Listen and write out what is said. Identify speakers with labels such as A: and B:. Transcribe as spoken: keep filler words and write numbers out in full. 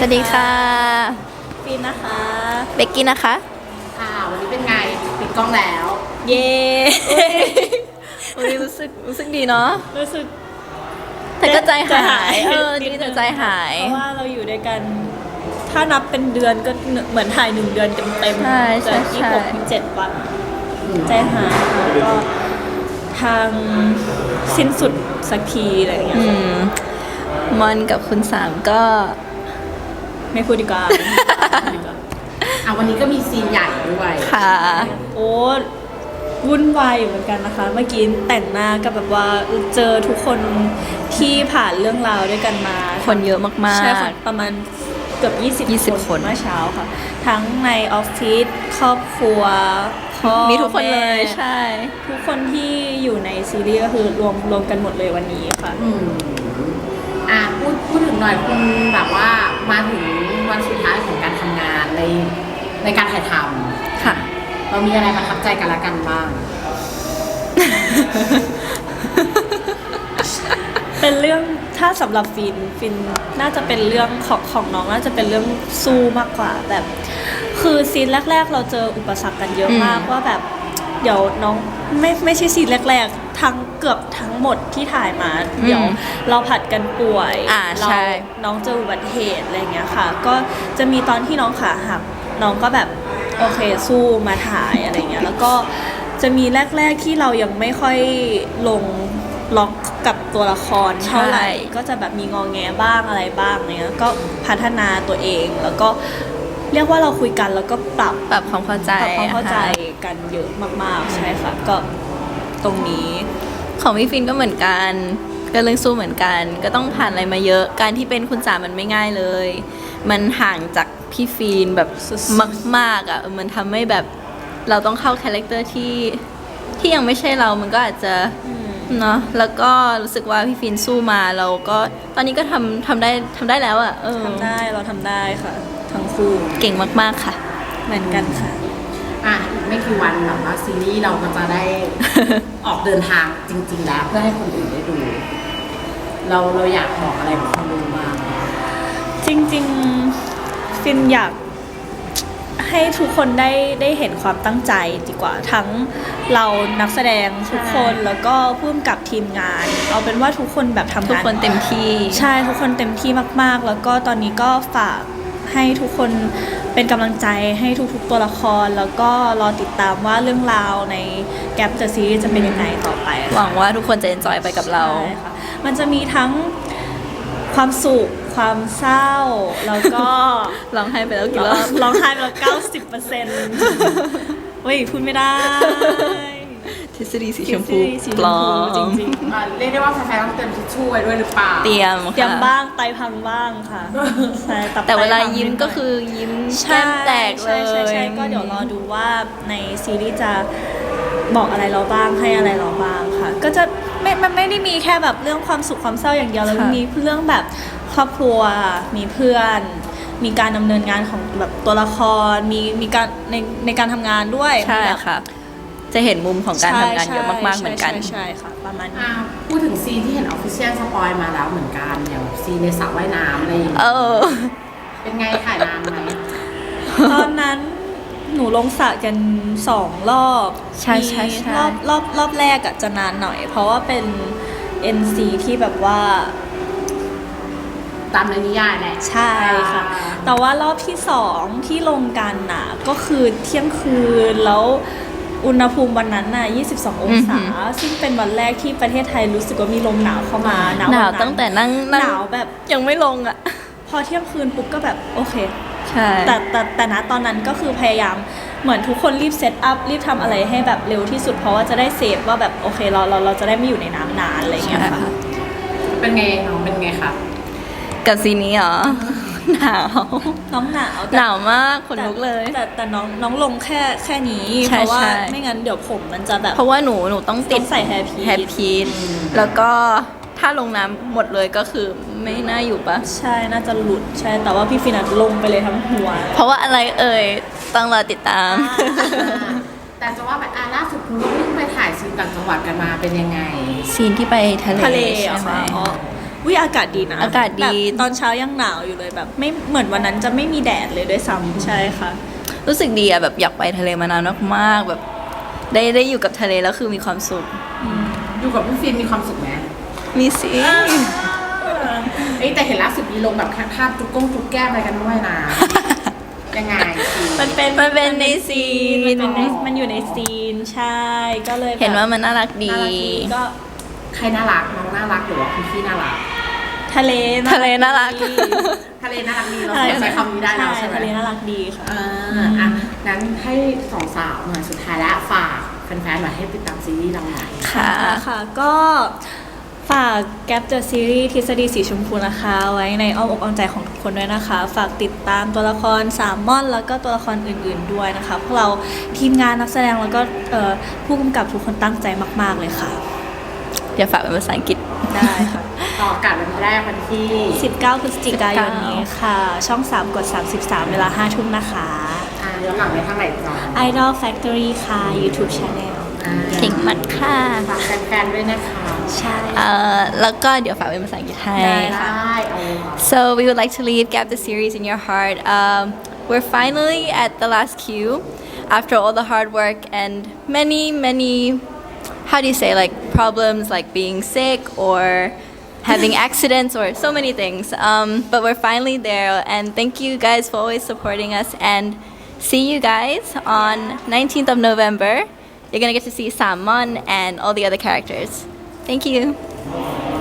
A: วัสดีค่ะ
B: ฟินนะคะ
A: เบกกี้นะคะ
C: ค่ะวันนี้เป็นไงปิดกล้องแล้ว
B: เย้
A: วันนี้รู้สึกรู้สึกดีเนาะ
B: รู้สึก
A: แต่ก็ใจหายเออดีแต่ใจหาย
B: เพราะว่าเราอยู่ด้วยกันถ้านับเป็นเดือนก็เหมือนถ่ายหนึ่งเดือนเต็มๆ
A: ใช่ใช่
B: ที่
A: ใช่
B: หกถึงเจ็ดวันใจหายแล้วก็ทางสิ้นสุดสักทีอะไรอย่างเงี้ย
A: อืมมอนกับคุณสามก็
B: ไม่พูดดีกว่า
C: อ่ะวันนี้ก็มีซีนใหญ่ด้วย
A: ค่ะ
B: โอ้วุ่นวายอยู่เหมือนกันนะคะ เมื่อกี้แต่งหน้าก็แบบว่าเจอทุกคนที่ผ่านเรื่องราวด้วยกันมา
A: คนเยอะมากๆ
B: ใช่ค่ะประมาณเกือบยี่สิบ
A: ยี่สิบ
B: คน
A: คน
B: เมื่อเช้าค่ะ ทั้งในออฟฟิศครอบครัวพ่อ
A: มีทุกคนเลย
B: แม่
A: ใช่
B: ทุกคนที่อยู่ในซีรีส์ก็คือรวมรวมกันหมดเลยวันนี้ค่ะ
C: อืมอ่ะพูดพูดถึงหน่อยคุณแบบว่ามาถึงวันสุดท้ายของการทำงานในในการถ่ายท
A: ค่ะ
C: ำเรามีอะไรประทับใจกันละกันบ้าง
B: เป็นเรื่องถ้าสำหรับฟินฟินน่าจะเป็นเรื่องของของน้องน่าจะเป็นเรื่องสู้มากกว่าแบบ คือซีนแรก ๆ เราเจออุปสรรคกันเยอะมาก
A: อืม
B: ว่าแบบเดี๋ยวน้องไม่ไม่ใช่ซีนแรก ๆ ทั้งเกือบทั้งหมดที่ถ่ายมา เดี๋ยวเราผัดกันป่วย
A: อ่า
B: เรา
A: ใช่
B: น้องเจออุบัติเหตุอะไรเงี้ยค่ะ ก็จะมีตอนที่น้องขาหักน้องก็แบบโอเคสู้มาถ่ายอะไรเงี้ยแล้วก็จะมีแรก ๆที่เรายังไม่ค่อยลงล็อกกับตัวละครเท่าไหร่ ก็จะแบบมีงอแงบ้างอะไรบ้างเนี้ยก็พัฒนาตัวเองแล้วก็เรียกว่าเราคุยกันแล้วก็ปรับ
A: ปรับความเข้าใจ
B: ปรับความเข้าใจ
A: อะค่ะ
B: กันเยอะมากๆใช่ค่ะก็ตรงนี้
A: ของพี่ฟินก็เหมือนกันก็เรื่องสู้เหมือนกัน ก็ต้องผ่านอะไรมาเยอะ การที่เป็นคุณสามมันไม่ง่ายเลย มันห่างจากพี่ฟินแบบ
B: สุดๆ
A: มากๆอ่ะเออมันทำให้แบบเราต้องเข้าคาแรคเตอร์ที่ที่ยังไม่ใช่เรา มันก็อาจจะเนาะแล้วก็รู้สึกว่าพี่ฟินสู้มาเราก็ตอนนี้ก็ทำทำได้ทำได้แล้วอ่ะเออ
B: ทำได้เราทำได้ค่ะ ทั้งคู่
A: เก่งมากๆค่ะ
B: เหมือนกันค่ะ
C: อ่ะอีกไม่กี่วันแบบว่าซีรีส์เราก็จะได้ ออกเดินทางจริง ๆ แล้วเพื่อให้คนอื่นได้ดู เราเราอยากบอกอะไรกับคนดูบ้าง
B: จริงๆฟินอยากให้ทุกคนได้ได้เห็นความตั้งใจดีกว่าทั้งเรานักแสดงทุกคนแล้วก็ผู้กำกับทีมงาน เอาเป็นว่าทุกคนแบบทำ
A: ทุก
B: งาน
A: คนเต็มที่
B: ใช่ทุกคนเต็มที่มากๆ แล้วก็ตอนนี้ก็ฝากให้ทุกคนเป็นกำลังใจให้ทุกๆตัวละคร แล้วก็รอติดตามว่าเรื่องราวในแกปเดอะซีรีส์จะเป็นยังไงต่อไปค่ะ
A: หวังว่าทุกคนจะเอนจอยไปกับเรา
B: ใช่ค่ะมันจะมีทั้งความสุขความเศร้า แล้วก็
A: ร้องไห้ไปแล้วกี่รอบ
B: ร้องไห้ไปแล้วเก้าสิบเปอร์เซ็นต์เฮ้ยพูดไม่ได้
A: ทฤษฎีสีชมพู
B: ทฤษฎีสีชมพู
A: ปลอม
B: จริง
C: อ่ะเรียกได้ว่าแฟนๆต้องเตรียมทิชชู่ไว้ด้วยหรือเปล่า
A: เตรียม
B: ๆเตรียม
A: ค่ะ
B: บ้างไตพังบ้างค่ะใช่บ
A: แต่เวลา
B: ไพัง
A: ยิ้ม
B: นิดหน่
A: ก็คือยิ้ม
B: ใช่
A: แก้มแตกเล
B: ใช่
A: ย
B: ใช่ใช่ก็เดี๋ยวรอดูว่าในซีรีส์จะบอกอะไรเราบ้างให้อะไรเราบ้างค่ะ ก็จะไม่มันไม่ได้มีแค่แบบเรื่องความสุขความเศร้าอย่างเดียวแล้ว
A: ค่ะ
B: มีเรื่องแบบครอบครัวมีเพื่อน มีการดำเนินงานของแบบตัวละครมีมีการในในการทำงานด้วย
A: ใช่
B: แบบ
A: ค่ะ จะเห็นมุมของการทำงานเยอะมากๆ
B: ใช่
A: เหมือนกัน
B: ใช่ใช่ค่ะประมาณนี้
C: อ่ะพูดถึงซีนที่เห็นออฟฟิเชียลสปอยมาแล้วเหมือนกันอย่างซีนในสระว่ายน้ำอะไรอย่างเงี้ย
A: เออ
C: เป็นไงถ่ายนานไหม
B: ตอนนั้นหนูลงสระกันสองรอบ
A: ใช่ใช่ใช่
B: มีรอบรอบรอบแรกอะจะนานหน่อย เพราะว่าเป็น เอ็น ซี ที่แบบว่า
C: ตามในนิยายแหละ
B: ใช่ค่ะ แต่ว่ารอบที่สองที่ลงกันน่ะก็คือเที่ยงคืนแล้วอุณหภูมิวันนั้นน่ะยี่สิบสององศา
A: อือหือ
B: ซึ่งเป็นวันแรกที่ประเทศไทยรู้สึกว่ามีลมหนาวเข้ามาหนาว
A: หนาว
B: วั
A: ตั้งแต่นั่งนั่ง
B: หนาวแบบ
A: ยังไม่ลงอ่ะ
B: พอเที่ยงคืนปุ๊บก็แบบโอเค
A: ใช่
B: แต่แต่แต่ณตอนนั้นก็คือพยายามเหมือนทุกคนรีบเซตอัพรีบทำอะไรให้แบบเร็วที่สุดเพราะว่าจะได้เซฟว่าแบบโอเคเราเราเราจะได้ไม่อยู่ในน้ำนานอะไรอย่างเงี้ยค่ะ
C: เป็นไงน้องเป็นไงคะ
A: กับซีนนี้เหรอ หนาว
B: น้องหนาวแต่
A: หนาวมากขนลุกเลย
B: แต่แต่แต่น้องน้องลงแค่แค่นี้
A: ใช่
B: เพราะว่า
A: ใช่
B: ไม่งั้นเดี๋ยวผมมันจะแบบ
A: เพราะว่าหนูหนูต้องติด
B: ต้องใส่ hair piece
A: แฮปพีทแล้วก็ถ้าลงน้ำหมดเลยก็คือไม่น่าอยู่ปะ
B: ใช่น่าจะหลุดใช่แต่ว่าพี่ฟินัทลงไปเลยทั้งหัว
A: เพราะว่าอะไรเอ่ยต้องรอติดตาม
C: แต่จะว่าแบบอ่ะล่าสุดคุณก็เพิ่งไปถ่ายซีนต่างจังหวัดกันมาเป็นยังไง
A: ซีนที่ไปทะเล
B: ทะเล
A: ใช่
B: อะ
A: ไหม
B: ค่ะอ๋อวิอากาศดีนะ
A: อากาศดี
B: แบบตอนเช้ายังหนาวอยู่เลยแบบไม่เหมือนวันนั้นจะไม่มีแดดเลยด้วยซ้ำใช่ค่ะ
A: รู้สึกดีอะแบบอยากไปทะเลมานานมากๆแบบได้ได้อยู่กับทะเลแล้วคือมีความสุข
C: อยู่กับพี่ฟิล์มมีความสุขไหม
A: มีสิ
C: เอ้ยแต่เห็นล่าสุดมีลงแบบภาพจุกก้งจุกแก้มอะไรกันด้วยนะ ยังไงสิ
B: มันเป็น
A: มันเป็นในซีน
B: มันเป็นในมันอยู่ในซีนใช่ก็เลยแบบ
A: เห็นว่ามันน่ารักดี
B: น่ารักดีก็
C: ใครน่ารักน้องน่ารักหรือว่าคุณพี่น่ารัก
B: ทะเล
A: ทะเลน่ารัก
B: ดี
C: ทะเลน่ารักดีเราใช้คำนี้ได้แล้วใช่ไหม
B: ทะเลน่ารักดีค่ะ
C: อ่าอ่ะงั้นให้สองสาวหน่อยสุดท้ายแล้วฝากแฟนๆหน่อยให้ติดตามซีรีส์เราหน่อย
A: ค่ะ
B: ค่ะก็ฝาก Gap the Series ทฤษฎีสีชมพูนะคะ ไว้ในอ้อมอกอ้อมใจของทุกคนด้วยนะคะ ฝากติดตามตัวละครสามม่อนแล้วก็ตัวละครอื่นๆด้วยนะคะพวกเราทีมงานนักแสดงแล้วก็เอ่อผู้กำกับทุกคนตั้งใจมากๆเลยค่ะ
A: เดี๋ยวฝากเป็นภาษาอังกฤษ
B: ได้ค่ะ
C: ต่ออากาศวันแรกวันที่
B: สิบเก้า พฤศจิกายนนี้ค่ะ ช่อง สาม กด สามสิบสาม เวลา ห้า ทุ่มนะคะ
C: อ่าย้อนหลังในทางไหนจอ
B: Idol Factory ค่ะ YouTube Channel
C: อ่า
A: เก่งมากค่ะ
C: ฝากแฟนๆด้วยนะคะ
B: ใช่
A: เอ่อแล้วก็เดี๋ยวฝากเป็นภาษาอังกฤษให้
B: ได้
C: ได้เอาเลยค่ะ
A: So we would like to leave Gap the series in your heart. Um, we're finally at the last queue after all the hard work and many, many, how do you say, like problems like being sick or having accidents or so many things. Um, but we're finally there and thank you guys for always supporting us and see you guys on nineteenth of November. You're gonna get to see Salmon and all the other characters. Thank you.